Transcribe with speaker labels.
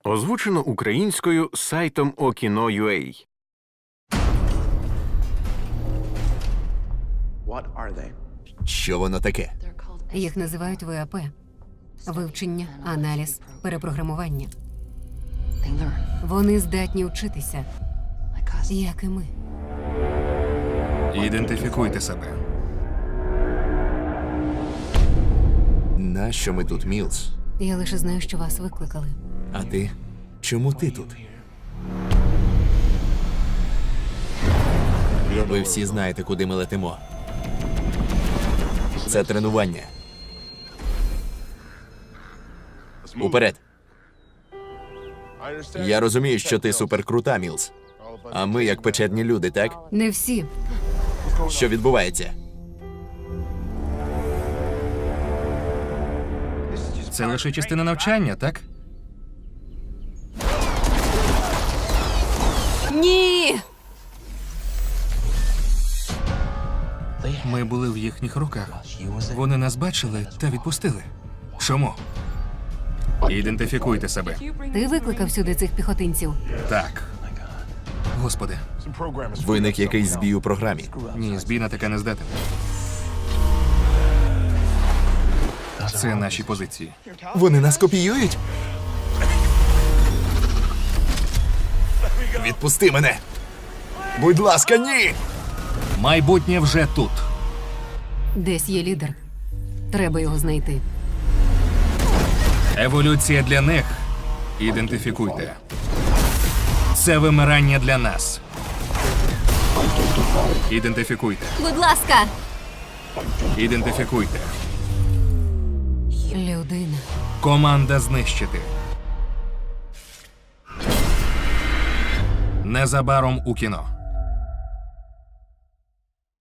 Speaker 1: Озвучено українською сайтом Okino.ua.
Speaker 2: Що воно таке?
Speaker 3: Їх називають ВАП. Вивчення, аналіз, перепрограмування. Вони здатні вчитися, як і ми.
Speaker 4: Ідентифікуйте себе.
Speaker 2: Нащо ми тут, Мілс?
Speaker 3: Я лише знаю, що вас викликали.
Speaker 2: А ти? Чому ти тут? Ви всі знаєте, куди ми летимо. Це тренування. Уперед. Я розумію, що ти суперкрута, Мілс. А ми як печерні люди, так?
Speaker 3: Не всі.
Speaker 2: Що відбувається?
Speaker 4: Це лише частина навчання, так?
Speaker 3: Ні!
Speaker 4: Ми були в їхніх руках. Вони нас бачили та відпустили. Чому? Ідентифікуйте себе.
Speaker 3: Ти викликав сюди цих піхотинців.
Speaker 4: Так. Господи,
Speaker 2: Виник якийсь збій у програмі.
Speaker 4: ні, збій на таке не здатен. Це наші позиції.
Speaker 2: Вони нас копіюють? Відпусти мене! Будь ласка, ні!
Speaker 4: Майбутнє вже тут.
Speaker 3: Десь є лідер. Треба його знайти.
Speaker 4: Еволюція для них. Ідентифікуйте. Це вимирання для нас. Ідентифікуйте.
Speaker 3: Будь ласка!
Speaker 4: Ідентифікуйте.
Speaker 3: Людина.
Speaker 4: Команда знищити. Незабаром у кіно.